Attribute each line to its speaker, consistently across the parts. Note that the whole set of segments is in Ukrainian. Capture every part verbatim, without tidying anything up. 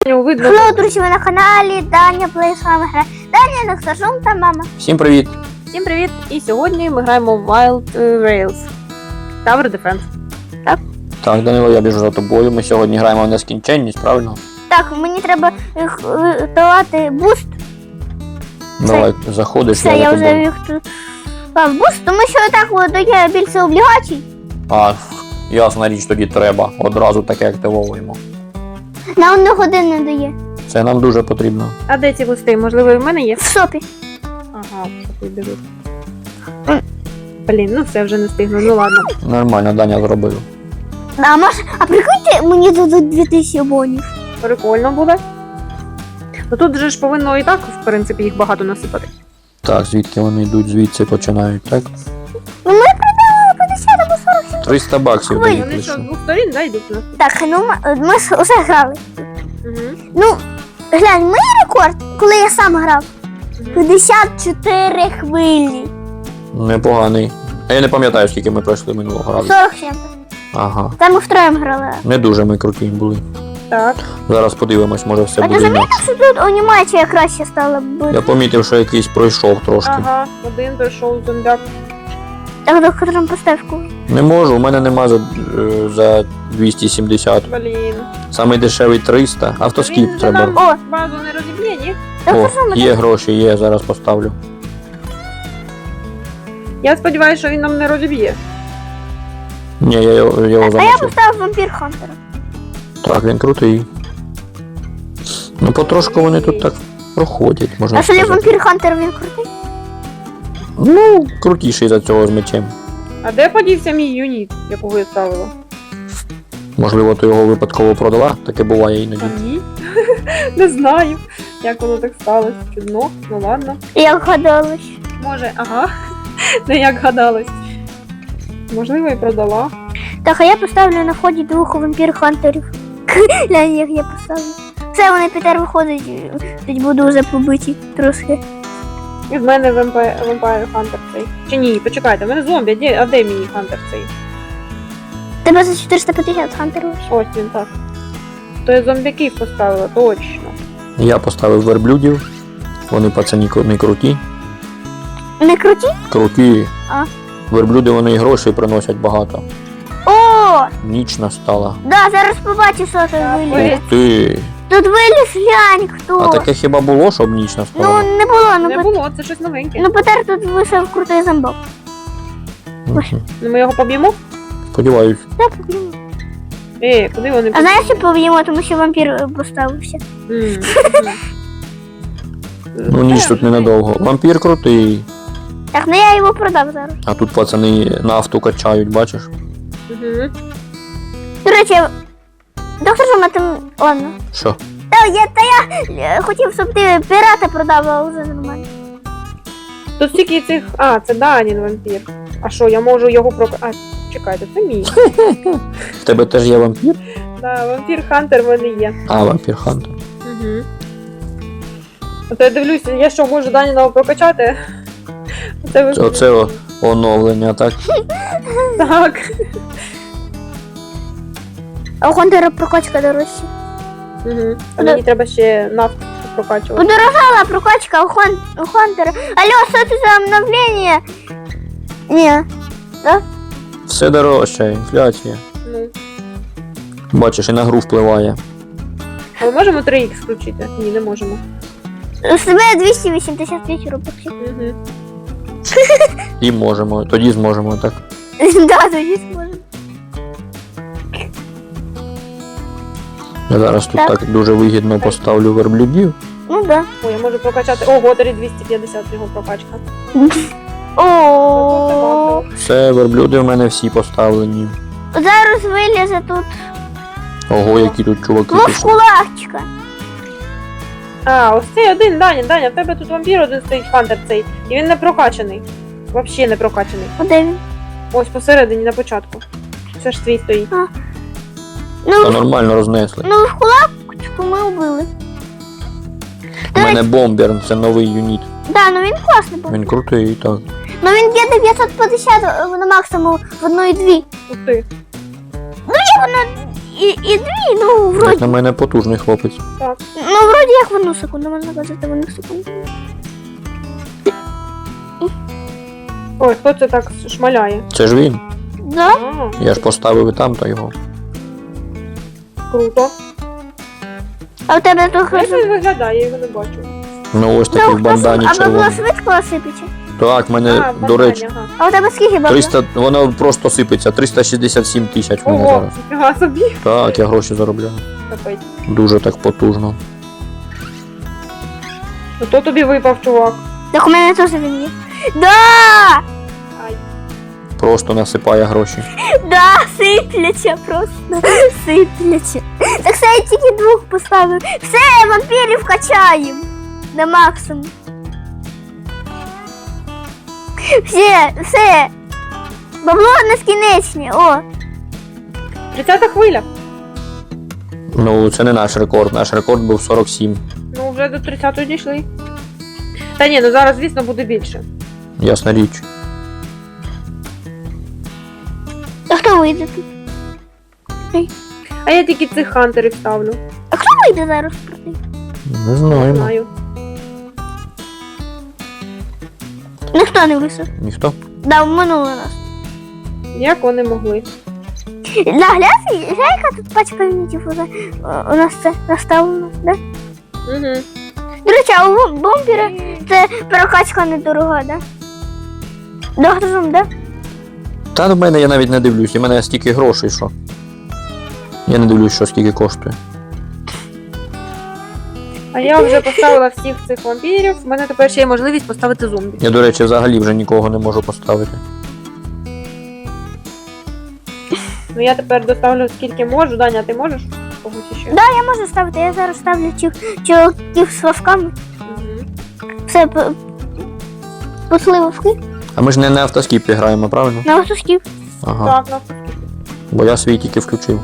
Speaker 1: Видно.
Speaker 2: Hello, друзі, ви на каналі Даня Плей, з вами грає Даня, Нексажум та мама.
Speaker 3: Всім привіт!
Speaker 1: Всім привіт! І сьогодні ми граємо в Wild Rails. Tower Defense. Так?
Speaker 3: Так, Данило, я біжу за тобою. Ми сьогодні граємо в нескінченність, правильно?
Speaker 2: Так, мені треба їх е, давати буст.
Speaker 3: Давай, заходиш,
Speaker 2: Все,
Speaker 3: я
Speaker 2: я
Speaker 3: за
Speaker 2: вже
Speaker 3: тобою.
Speaker 2: їх тут дав буст, тому що так от дає більше облігацій.
Speaker 3: А, ясна річ, тоді треба. Одразу таке активовуємо.
Speaker 2: На одну годину не дає.
Speaker 3: Це нам дуже потрібно.
Speaker 1: А де ці листи? Можливо, і в мене є?
Speaker 2: В сопі.
Speaker 1: Ага, що ти дивись. Блін, ну все, вже не встигну, ну ладно.
Speaker 3: Нормально, Даня зробив.
Speaker 2: А може, а прикиньте, мені дадуть дві тисячі бонів.
Speaker 1: Прикольно буде. Ну тут же ж повинно і так, в принципі, їх багато насипати.
Speaker 3: Так, звідки вони йдуть, звідси починають, так?
Speaker 2: Ну ми продали п'ятдесят або сорок сім.
Speaker 3: триста баксів
Speaker 2: Ой,
Speaker 3: дають
Speaker 1: Вони що, з
Speaker 3: лише.
Speaker 1: двох сторін, да, йдуть у нас?
Speaker 2: Так, ну ми, ми ж усе грали.
Speaker 1: Угу.
Speaker 2: Ну, глянь, мій рекорд, коли я сам грав, п'ятдесят чотири хвилі.
Speaker 3: Непоганий. А я не пам'ятаю, скільки ми пройшли минулого разу.
Speaker 2: сорок сім.
Speaker 3: Ага.
Speaker 2: Там ми втроєм грали.
Speaker 3: Не дуже ми круті були.
Speaker 1: Так.
Speaker 3: Зараз подивимось, може все
Speaker 2: А ти
Speaker 3: буде
Speaker 2: замітив,
Speaker 3: інакше.
Speaker 2: що тут анімація краще стала бути?
Speaker 3: Я помітив, що якийсь пройшов трошки.
Speaker 1: Ага, один пройшов зомбяк.
Speaker 2: Так, доктором поставку.
Speaker 3: Не можу, у мене нема за, е, за двісті сімдесят.
Speaker 1: Блін.
Speaker 3: Самий дешевий триста. Автоскіп
Speaker 1: Він
Speaker 3: треба.
Speaker 1: же нам
Speaker 2: О,
Speaker 1: базу не розіб'є, ні?
Speaker 3: О,
Speaker 2: доктор
Speaker 3: є гроші, є, зараз поставлю.
Speaker 1: Я сподіваюся, що він нам не розіб'є.
Speaker 3: Ні, я його, його
Speaker 2: А я
Speaker 3: замочив.
Speaker 2: поставив вампір Хантера.
Speaker 3: Так, він крутий. Ну потрошку вони тут так проходять, можна
Speaker 2: А що ли
Speaker 3: сказати.
Speaker 2: вампір Хантер він крутий?
Speaker 3: Ну, крутіший за цього з мечем.
Speaker 1: А де подівся мій юніт, якого я ставила?
Speaker 3: Можливо, ти його випадково продала, таке буває іноді.
Speaker 1: А ні. Не знаю, як воно так сталося. Чудно, ну ладно.
Speaker 2: Як гадалось.
Speaker 1: Може, ага. Не як гадалось. Можливо, і продала.
Speaker 2: Так, а я поставлю на вході двох вампір Хантерів. Глянь, як я поставлю. Все, вони Пітер виходить, тоді буду вже побиті трошки.
Speaker 1: І в мене Vampire, Vampire Hunter цей. Чи ні, почекайте, в мене зомбі, а де, а де мій Хантер цей?
Speaker 2: Тебе за чотириста п'ятдесят Хантерів.
Speaker 1: Ось він так. То я зомбяків поставила, точно.
Speaker 3: Я поставив верблюдів. Вони пацані кру- не круті.
Speaker 2: Не круті?
Speaker 3: Круті.
Speaker 2: А.
Speaker 3: Верблюди вони і грошей приносять багато.
Speaker 2: О,
Speaker 3: Ніч настала.
Speaker 2: да, зараз побачиш, що тут
Speaker 1: Ой.
Speaker 2: виліз.
Speaker 3: Ух ти.
Speaker 2: Тут виліз, глянь, хто.
Speaker 3: А таке хіба було, щоб ніч
Speaker 2: Ну,
Speaker 3: настала?
Speaker 2: не було, ну,
Speaker 1: Не
Speaker 2: Пет-
Speaker 1: було, це щось новеньке.
Speaker 2: ну Петер тут вийшов крутий зомбок.
Speaker 3: Мгм.
Speaker 1: Ну ми його поб'ємо?
Speaker 3: Сподіваюсь.
Speaker 2: Так, поб'ємо.
Speaker 1: Е, куди вони
Speaker 2: А знаєш, що поб'ємо, тому що вампір е, поставився.
Speaker 1: М, мгм.
Speaker 3: Ну ніч тут ненадовго. Вампір крутий.
Speaker 2: Так, ну я його продав зараз.
Speaker 3: А тут пацани нафту качають, бачиш?
Speaker 1: Мгм.
Speaker 2: До речі, доктор Жома, ти... Ладно.
Speaker 3: Що?
Speaker 2: Та я, та я е, хотів, щоб ти пірата продав, а вже нормально.
Speaker 1: Тут стільки цих. А, це Данін вампір. А що, я можу його прок... А, чекайте, це мій.
Speaker 3: В тебе теж є вампір?
Speaker 1: Да, вампір Хантер в мене є.
Speaker 3: А, вампір Хантер.
Speaker 1: Угу. От я дивлюся, я що, можу Даніного прокачати? Це ви...
Speaker 3: Оце о- оновлення, так?
Speaker 1: Так.
Speaker 2: А у Хантера прокачка дорожча.
Speaker 1: Угу. А мені треба ще нафту прокачувати.
Speaker 2: Подорожала прокачка у, Хан... у Хантера. Алло, що це за обновлення? Ні.
Speaker 3: Все дорожче, інфляція.
Speaker 1: Ну.
Speaker 3: Бачиш, і на гру впливає.
Speaker 1: А ми можемо три ікс включити? Ні, не можемо.
Speaker 2: З тебе двісті вісімдесят п'ять робоксів.
Speaker 1: Угу.
Speaker 3: І можемо, тоді зможемо, так?
Speaker 2: Да, тоді зможемо.
Speaker 3: Я зараз тут
Speaker 2: Так.
Speaker 3: так дуже вигідно поставлю верблюдів.
Speaker 2: Ну да.
Speaker 1: О, я можу прокачати. Ого, тоді двісті п'ятдесят його прокачка.
Speaker 2: О,
Speaker 3: Все, верблюди в мене всі поставлені.
Speaker 2: зараз вилізе тут
Speaker 3: Ого, які тут чуваки пішли.
Speaker 2: вовкулачка.
Speaker 1: А, ось цей один, Даня, Даня, в тебе тут вампір один стоїть, Хантер цей. І він не прокачаний. Взагалі не прокачаний.
Speaker 2: А де він?
Speaker 1: Ось посередині на початку. Це ж твій стоїть.
Speaker 3: Та
Speaker 2: Ну,
Speaker 3: нормально рознесли.
Speaker 2: ну вовкулачку ми вбили.
Speaker 3: У мене бомбер, це новий юніт.
Speaker 2: Да, ну він класний був.
Speaker 3: Він крутий, так.
Speaker 2: Ну він б'є дев'ятсот п'ятдесят на максимум в одну і дві.
Speaker 1: Ух ти.
Speaker 2: І воно і, і дві, ну,
Speaker 3: Як
Speaker 2: вроді.
Speaker 3: на мене потужний хлопець.
Speaker 1: Так.
Speaker 2: Ну, вроді як в одну секунду, можна казати в одну секунду.
Speaker 1: Ой, хто це так шмаляє?
Speaker 3: Це ж він.
Speaker 2: Да?
Speaker 1: А,
Speaker 3: Я ж поставив і там, то його.
Speaker 1: круто.
Speaker 2: А у тебе трохи...
Speaker 1: Як він виглядає, я його не бачу.
Speaker 3: Ну ось такий в бандані
Speaker 2: а бабло
Speaker 3: червоний.
Speaker 2: швидко осипеться?
Speaker 3: Так, мене,
Speaker 1: А,
Speaker 3: Е, до речі,
Speaker 1: ага.
Speaker 2: А у тебе скільки бабла?
Speaker 3: триста, воно просто сипеться, триста шістдесят сім тисяч в мене
Speaker 1: Ого,
Speaker 3: зараз.
Speaker 1: ніфіга собі.
Speaker 3: Так, я гроші заробляю.
Speaker 1: Капець.
Speaker 3: Дуже так потужно.
Speaker 1: Ну то тобі випав, чувак.
Speaker 2: Так у мене теж він є. Да!
Speaker 1: Ай.
Speaker 3: Просто насипає гроші.
Speaker 2: Да, сипляться просто. Сипляться. Так все, я тільки двох поставив. Все, вампірів качаємо. На максимум. Все, все. Бабло нескінечне, о.
Speaker 1: тридцята хвиля.
Speaker 3: Ну, це не наш рекорд. Наш рекорд був сорок сім.
Speaker 1: Ну, вже до тридцятої дійшли. Та ні, ну зараз, звісно, буде більше.
Speaker 3: Ясна річ.
Speaker 2: А хто вийде тут?
Speaker 1: А я тільки цих хантерів ставлю.
Speaker 2: А хто вийде зараз проти?
Speaker 3: Не
Speaker 1: Не
Speaker 3: знаю.
Speaker 1: знаю.
Speaker 2: Ніхто не вийшов.
Speaker 3: Ніхто?
Speaker 2: Да, обманули нас.
Speaker 1: Як вони могли?
Speaker 2: Да, глянь, яка тут пачка юнітів уже о, у нас це наставлено, да?
Speaker 1: Угу.
Speaker 2: До речі, а у бомбера це прокачка недорога, да? Доктором, да?
Speaker 3: Та в мене я навіть не дивлюсь, у мене стільки грошей, що. Я не дивлюсь, що скільки коштує.
Speaker 1: А я вже поставила всіх цих вампірів. У мене тепер ще є можливість поставити зомбі.
Speaker 3: Я, до речі, взагалі вже нікого не можу поставити.
Speaker 1: Ну я тепер доставлю скільки можу. Даня, ти можеш? Когось ще?
Speaker 2: Да, я можу ставити, я зараз ставлю чу- чуваків з вовками.
Speaker 1: Угу.
Speaker 2: Все, п- пошли вовки
Speaker 3: А ми ж не на автоскіпі граємо, правильно?
Speaker 2: на вовків.
Speaker 3: Ага.
Speaker 1: Так, ну.
Speaker 3: Бо я свій тільки включив.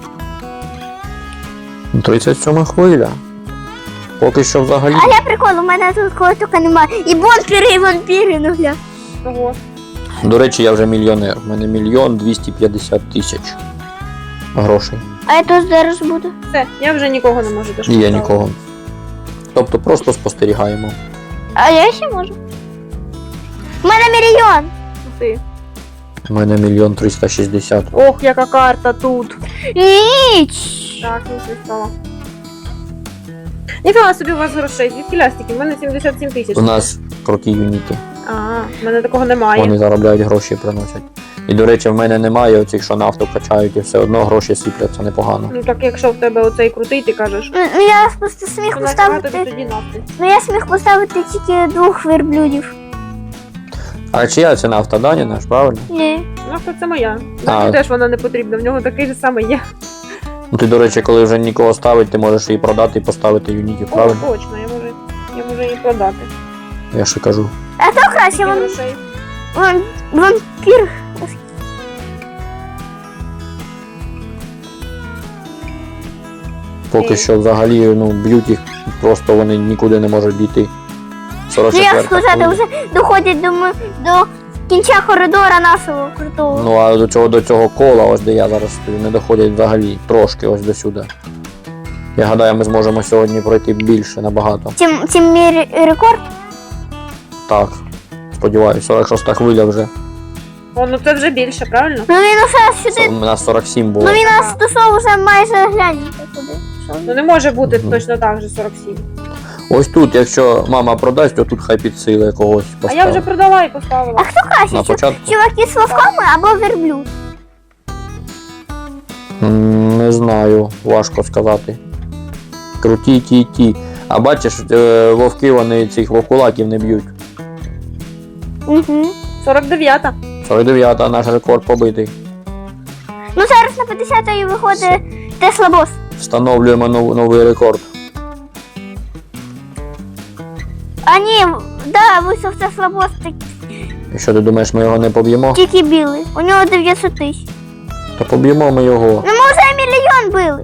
Speaker 3: тридцять сьома хвиля. Поки що взагалі.
Speaker 2: А я прикол, у мене тут кого тільки немає. І бомбери, і вампіри, ну гля.
Speaker 1: Ого.
Speaker 3: До речі, я вже мільйонер. У мене мільйон двісті п'ятдесят тисяч грошей.
Speaker 2: А я тут зараз буду.
Speaker 1: Все, я вже нікого не можу теж
Speaker 3: І я
Speaker 1: поставити.
Speaker 3: нікого. Тобто просто спостерігаємо.
Speaker 2: А я ще можу. У мене мільйон.
Speaker 1: Ти.
Speaker 3: У мене мільйон триста шістдесят.
Speaker 1: Ох, яка карта тут.
Speaker 2: Ніч.
Speaker 1: Так, не стало. Ніфіга собі у вас грошей, звідки лястики? У мене сімдесят сім тисяч.
Speaker 3: У нас круті юніти.
Speaker 1: А, в мене такого немає.
Speaker 3: Вони заробляють гроші і приносять. І, до речі, в мене немає оцих, що нафту качають, і все одно гроші сипляться непогано.
Speaker 1: Ну так якщо в тебе оцей крутий, ти кажеш,
Speaker 2: Ну, ну, я просто сміх
Speaker 1: то нафіга тобі
Speaker 2: поставити.
Speaker 1: тоді нафти.
Speaker 2: Ну я сміх поставити тільки двох верблюдів.
Speaker 3: А чия це нафта? Дані наш, правильно?
Speaker 2: Ні.
Speaker 1: Нафта це моя.
Speaker 3: А.
Speaker 1: Мені теж вона не потрібна, в нього такий же самий є.
Speaker 3: Ну ти, до речі, коли вже нікого ставить, ти можеш її продати і поставити юнітів,
Speaker 1: О,
Speaker 3: правильно?
Speaker 1: точно, я можу, я можу її продати.
Speaker 3: Я ще кажу.
Speaker 2: А то краще
Speaker 1: Скільки
Speaker 2: вам...
Speaker 1: грошей?
Speaker 2: вам... вампір.
Speaker 3: Поки
Speaker 1: Ні.
Speaker 3: що взагалі ну, б'ють їх, просто вони нікуди не можуть дійти.
Speaker 2: Ну як
Speaker 3: сорок четверта
Speaker 2: сказати,
Speaker 3: хвиля.
Speaker 2: вже доходять до, м- до кінця коридора нашого крутого.
Speaker 3: Ну а до цього, до цього кола, ось де я зараз стою, не доходять взагалі. Трошки ось до сюди. Я гадаю, ми зможемо сьогодні пройти більше набагато.
Speaker 2: Тим, тим мій ре- рекорд.
Speaker 3: Так, сподіваюся, сорок шоста хвиля вже.
Speaker 1: О, ну це вже більше, правильно?
Speaker 2: Ну він усе сюди.
Speaker 3: У нас сорок сім було.
Speaker 2: Ну він нас досов вже майже гляньте куди. Що
Speaker 1: Ну
Speaker 2: він?
Speaker 1: не може бути
Speaker 3: Мгм.
Speaker 1: точно так же сорок сім.
Speaker 3: Ось тут, якщо мама продасть, то тут хай підсили когось
Speaker 1: А
Speaker 3: поставить.
Speaker 1: я вже продала і поставила.
Speaker 2: А хто краще?
Speaker 3: На
Speaker 2: чу-
Speaker 3: початку?
Speaker 2: Чуваки з вовками або верблюд?
Speaker 3: М, Не знаю, важко сказати. Круті ті ті. А бачиш, е, вовки вони цих вовкулаків не б'ють.
Speaker 2: Угу.
Speaker 1: сорок дев'ята.
Speaker 3: сорок дев'ята наш рекорд побитий.
Speaker 2: Ну зараз на п'ятдесятої виходить Тесла Бос.
Speaker 3: Встановлюємо нов- новий рекорд.
Speaker 2: А ні, да, вийшов Тесла Бос, так-
Speaker 3: І що ти думаєш, ми його не поб'ємо?
Speaker 2: тільки білий. У нього дев'ятсот тисяч.
Speaker 3: Та поб'ємо ми його.
Speaker 2: Ну ми вже мільйон били.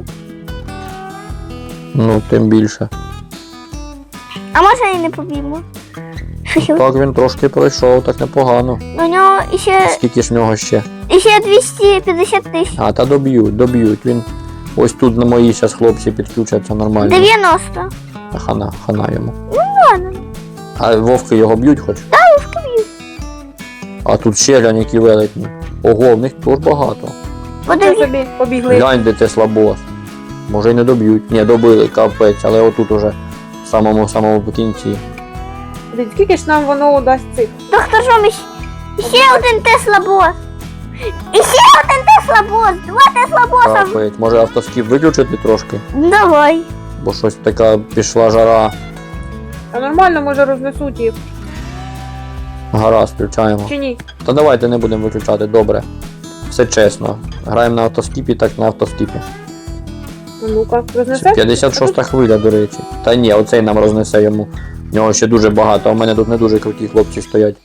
Speaker 3: Ну, тим більше.
Speaker 2: А може і не поб'ємо.
Speaker 3: Так він трошки пройшов, так непогано.
Speaker 2: У нього іще,
Speaker 3: Скільки ж в нього ще?
Speaker 2: іще двісті п'ятдесят тисяч.
Speaker 3: А, та доб'ють, доб'ють. Він Ось тут на мої зараз хлопці підключаться нормально.
Speaker 2: дев'яносто.
Speaker 3: Та Хана, хана йому.
Speaker 2: Ладно.
Speaker 3: А вовки його б'ють хоч? Так,
Speaker 2: вовки б'ють.
Speaker 3: А тут ще глянь, які велетні. Ого, в них теж багато.
Speaker 1: Це
Speaker 2: Подиві...
Speaker 1: собі побігли.
Speaker 3: Глянь, де це слабос. Може й не доб'ють. Ні, добили, капець, але отут уже в самому самому кінці.
Speaker 1: Дивіться, скільки ж нам воно дасть цих?
Speaker 2: Доктор Жом, іще, ще один Тесла бос. І ще один Тесла бос. Два Тесла боса.
Speaker 3: Капець. Може автоскіп виключити трошки?
Speaker 2: Давай.
Speaker 3: Бо щось така пішла жара.
Speaker 1: Та нормально, може рознесуть їх.
Speaker 3: Гаразд, включаємо.
Speaker 1: Чи ні?
Speaker 3: Та давайте не будемо виключати, добре. Все чесно. Граємо на автоскіпі, так на автоскіпі.
Speaker 1: А ну-ка,
Speaker 3: Це
Speaker 1: рознесе?
Speaker 3: п'ятдесят шоста хвиля, до речі. Та ні, оцей нам рознесе йому. В нього ще дуже багато, а в мене тут не дуже круті хлопці стоять.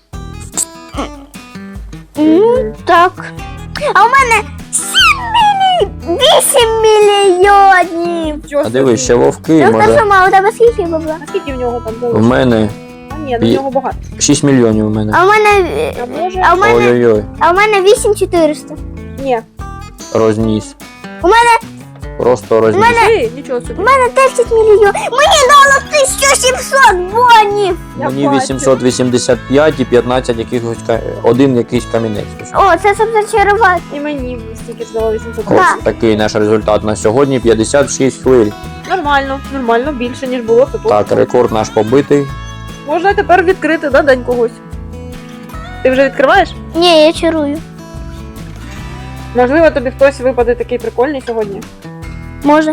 Speaker 2: М, Так. А у мене сім мільйонів. вісім мільйонів.
Speaker 1: Чого
Speaker 3: А дивись, ще
Speaker 1: собі?
Speaker 3: вовки,
Speaker 2: Доктор
Speaker 3: може.
Speaker 2: Жома, у тебе скільки бабла?
Speaker 1: А скільки в нього там
Speaker 3: В
Speaker 1: було?
Speaker 3: мене
Speaker 1: А ні, на
Speaker 3: І-
Speaker 1: нього багато.
Speaker 3: шість мільйонів у мене.
Speaker 2: А у мене...
Speaker 1: А може?
Speaker 2: А у мене...
Speaker 3: Ой-ой-ой,
Speaker 2: А у мене вісім чотириста.
Speaker 1: Ні.
Speaker 3: розніс.
Speaker 2: У мене...
Speaker 3: Просто розніс.
Speaker 1: Ти, нічого собі.
Speaker 2: У мене десять мільйонів. Мені дало тисячу сімсот бонів.
Speaker 1: Я
Speaker 3: Мені
Speaker 1: бачу.
Speaker 3: вісімсот вісімдесят п'ять і п'ятнадцять якихось ка- один якийсь камінець.
Speaker 2: О, це щоб зачарувати.
Speaker 1: І мені стільки ж дало вісімсот.
Speaker 2: Да.
Speaker 3: Ось такий наш результат на сьогодні. п'ятдесят шість хвиль.
Speaker 1: Нормально, нормально, більше, ніж було. Це
Speaker 3: Так,
Speaker 1: точно.
Speaker 3: рекорд наш побитий.
Speaker 1: Можна тепер відкрити, да, день когось? Ти вже відкриваєш?
Speaker 2: Ні, я чарую.
Speaker 1: Можливо, тобі хтось випаде такий прикольний сьогодні.
Speaker 2: Може.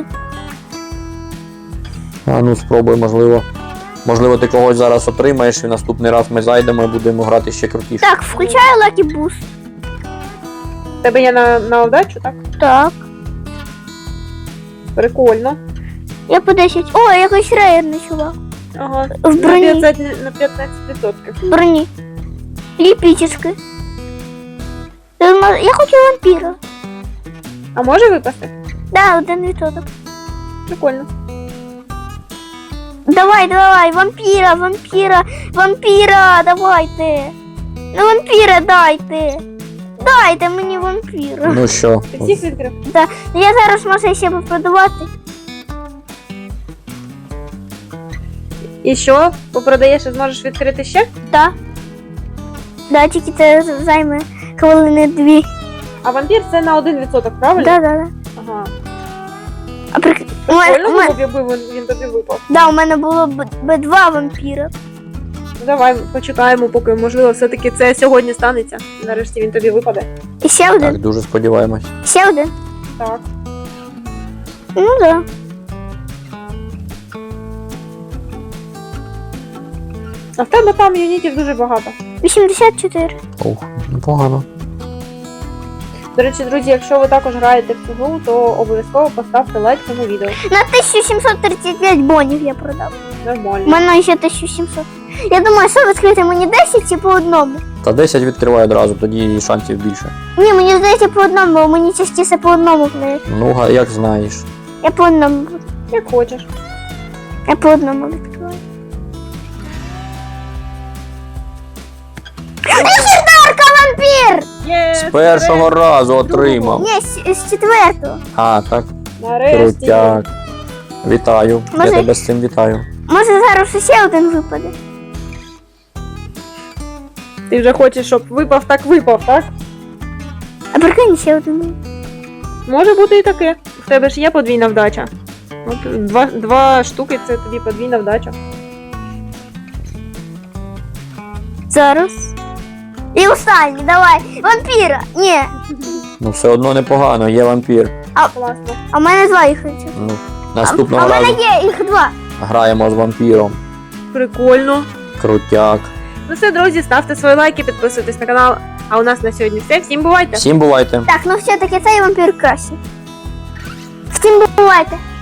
Speaker 3: А ну спробуй, можливо. Можливо, ти когось зараз отримаєш і наступний раз ми зайдемо і будемо грати ще крутіше.
Speaker 2: Так, включаю Lucky Boost.
Speaker 1: В Тебе є на, на удачу, так?
Speaker 2: Так.
Speaker 1: Прикольно.
Speaker 2: Я по десять. О, якийсь рейерний чувак.
Speaker 1: Ага.
Speaker 2: В
Speaker 1: На
Speaker 2: броні.
Speaker 1: п'ятнадцять, на п'ятнадцять відсотків.
Speaker 2: В броні. Ліпічечки. Я хочу вампіра.
Speaker 1: А може випасти?
Speaker 2: Да, один відсоток.
Speaker 1: Прикольно.
Speaker 2: Давай, давай, вампіра, вампіра, вампіра, давайте. Ну, вампіра дайте. Дайте мені вампіра.
Speaker 3: Ну що,
Speaker 1: Ти всіх відкрив?
Speaker 2: Я зараз можу ще попродавати.
Speaker 1: І що? Попродаєш і зможеш відкрити ще?
Speaker 2: Так. Да, тільки це займе хвилини дві.
Speaker 1: А вампір це на один відсоток, правильно?
Speaker 2: Да, да, да.
Speaker 1: Ага.
Speaker 2: А при... у мене,
Speaker 1: Прикольно
Speaker 2: у
Speaker 1: було
Speaker 2: мене,
Speaker 1: б, якби він, він тобі випав.
Speaker 2: да, у мене було б, б два вампіра.
Speaker 1: Ну давай почекаємо, поки можливо все-таки це сьогодні станеться. Нарешті він тобі випаде.
Speaker 2: І ще
Speaker 3: так,
Speaker 2: один.
Speaker 3: дуже сподіваємось.
Speaker 2: Ще один.
Speaker 1: Так.
Speaker 2: Ну да.
Speaker 1: А в тебе там юнітів дуже багато.
Speaker 2: вісімдесят чотири.
Speaker 3: Ох, непогано.
Speaker 1: До речі, друзі, якщо ви також граєте в цю гру, то обов'язково поставте лайк цьому відео.
Speaker 2: На тисячу сімсот тридцять п'ять бонів я продав. У
Speaker 1: Нормально.
Speaker 2: мене ще тисячу сімсот. Я думаю, що відкрити мені десять чи по одному?
Speaker 3: Та десять відкривай одразу, тоді шансів більше.
Speaker 2: Ні, мені здається по одному, бо мені частіше по одному плеє.
Speaker 3: Ну, га- як знаєш.
Speaker 2: Я по одному буду.
Speaker 1: Як хочеш.
Speaker 2: Я по одному відкриваю. Легендарка вампір!
Speaker 1: Є!
Speaker 3: З першого разу отримав.
Speaker 2: Ні, з, з четвертого.
Speaker 3: А, так,
Speaker 1: Нарешті.
Speaker 3: крутяк. Вітаю. Я
Speaker 2: Може-
Speaker 3: тебе з цим вітаю.
Speaker 2: Може зараз ще один випаде.
Speaker 1: Ти вже хочеш, щоб випав, так випав, так?
Speaker 2: А прикинь, ще один випаде.
Speaker 1: Може бути і таке. В тебе ж є подвійна вдача. От два, два штуки це тобі подвійна вдача.
Speaker 2: Зараз. І останній, давай. Вампіра. Ні.
Speaker 3: Ну все одно непогано, є вампір.
Speaker 1: Класно.
Speaker 2: А в мене два їх хочу.
Speaker 3: Ну,
Speaker 2: А,
Speaker 3: наступного
Speaker 2: а в мене
Speaker 3: разу
Speaker 2: є їх два.
Speaker 3: граємо з вампіром.
Speaker 1: Прикольно.
Speaker 3: Крутяк.
Speaker 1: Ну все, друзі, ставте свої лайки, підписуйтесь на канал. А у нас на сьогодні все. Всім бувайте!
Speaker 3: Всім бувайте.
Speaker 2: Так, ну все-таки цей вампір краще. Всім бувайте.